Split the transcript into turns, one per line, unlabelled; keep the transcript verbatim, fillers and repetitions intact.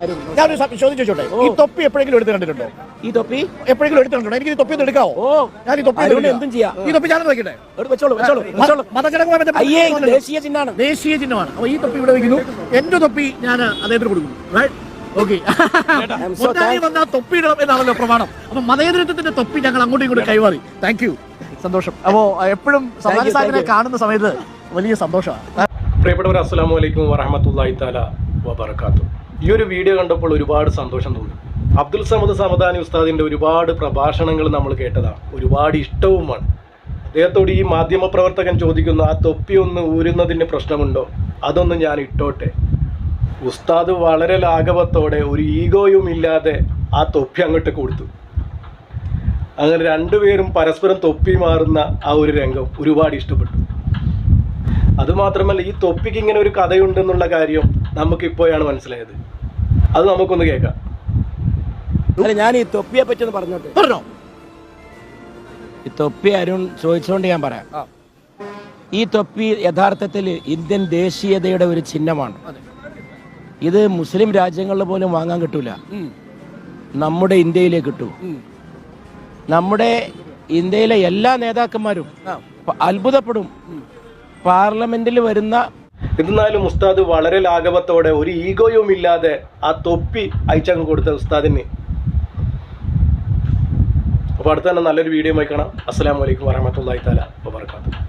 ഞാനൊരു ചോദ്യം ചോദിച്ചോട്ടെ, ഈ തൊപ്പി എപ്പോഴെങ്കിലും എടുത്ത് കണ്ടിട്ടുണ്ടോ?
ഈ തൊപ്പി
എപ്പോഴെങ്കിലും എടുത്ത് കണ്ടിട്ടുണ്ടോ? എനിക്ക് ഈ തൊപ്പി ഒന്ന് എടുക്കാവോ?
ഓ,
ഞാൻ ഈ തൊപ്പി
എന്തും ചെയ്യാം.
ഈ തൊപ്പി ഞാനൊന്ന് വെക്കട്ടെ?
വെച്ചോളൂ വെച്ചോളൂ വെച്ചോളൂ.
മതചടങ്ങുമായി ബന്ധപ്പെട്ട
അയ്യേ, ഇത് ദേശീയ ചിഹ്നമാണ്.
ദേശീയ ചിഹ്നമാണ്. അപ്പൊ ഈ തൊപ്പി ഇവിടെ വെക്കുന്നു. എന്റെ തൊപ്പി ഞാൻ അദ്ദേഹത്തിന് കൊടുക്കുന്നു. ഓക്കെ, വന്ന തൊപ്പി ഇടണം എന്നാണല്ലോ പ്രമാണം. അപ്പൊ മതേതരത്വത്തിന്റെ തൊപ്പി ഞങ്ങൾ അങ്ങോട്ടും ഇങ്ങോട്ടും കൈമാറി. താങ്ക് യു, സന്തോഷം. അപ്പോ എപ്പോഴും സമാധാനത്തിനെ കാണുന്ന സമയത്ത് വലിയ സന്തോഷമാണ്.
പ്രിയപ്പെട്ടവർ, അസ്സലാമു അലൈക്കും വറഹ്മത്തുള്ളാഹി തആല വബറകാതുഹു. ഈ ഒരു വീഡിയോ കണ്ടപ്പോൾ ഒരുപാട് സന്തോഷം തോന്നി. അബ്ദുൽ സമദ് സമദാനി ഉസ്താദിന്റെ ഒരുപാട് പ്രഭാഷണങ്ങൾ നമ്മൾ കേട്ടതാണ്, ഒരുപാട് ഇഷ്ടവുമാണ്. അദ്ദേഹത്തോട് ഈ മാധ്യമ പ്രവർത്തകൻ ചോദിക്കുന്നു, ആ തൊപ്പി ഒന്ന് ഊരുന്നതിന് പ്രശ്നമുണ്ടോ? അതൊന്ന് ഞാൻ ഇട്ടോട്ടെ. ഉസ്താദ് വളരെ ലാഘവത്തോടെ ഒരു ഈഗോയും ഇല്ലാതെ ആ തൊപ്പി അങ്ങോട്ട് കൊടുത്തു. അങ്ങനെ രണ്ടുപേരും പരസ്പരം തൊപ്പി മാറുന്ന ആ ഒരു രംഗം ഒരുപാട് ഇഷ്ടപ്പെട്ടു. അതുമാത്രമല്ല, ഈ തൊപ്പിക്ക് ഇങ്ങനെ ഒരു കഥയുണ്ടെന്നുള്ള കാര്യം നമുക്കിപ്പോഴാണ് മനസ്സിലായത്. അത് നമുക്കൊന്ന് കേൾക്കാം.
അല്ല, ഞാൻ ഈ തൊപ്പിയെ പറ്റി ഒന്ന് പറഞ്ഞോട്ടെ.
പറഞ്ഞോ.
ഈ തൊപ്പി അരുൺ ചോദിച്ചുകൊണ്ട് ഞാൻ പറയാം. ഈ തൊപ്പി യഥാർത്ഥത്തിൽ ഇന്ത്യൻ ദേശീയതയുടെ ഒരു ചിഹ്നമാണ്. ഇത് മുസ്ലിം രാജ്യങ്ങളിൽ പോലും വാങ്ങാൻ കിട്ടൂല, നമ്മുടെ ഇന്ത്യയിലേ കിട്ടൂ. നമ്മുടെ ഇന്ത്യയിലെ എല്ലാ നേതാക്കന്മാരും അത്ഭുതപ്പെടും പാർലമെന്റിൽ വരുന്ന.
എന്നാലും ഉസ്താദ് വളരെ ലാഘവത്തോടെ ഒരു ഈഗോയും ഇല്ലാതെ ആ തൊപ്പി അയച്ചങ്ങ് കൊടുത്ത ഉസ്താദിന്. അപ്പോൾ അടുത്ത തന്നെ നല്ലൊരു വീഡിയോ ആയി കാണാം. അസ്സലാമു അലൈക്കും വറഹ്മത്തുള്ളാഹി തആല വബറകാതുഹു.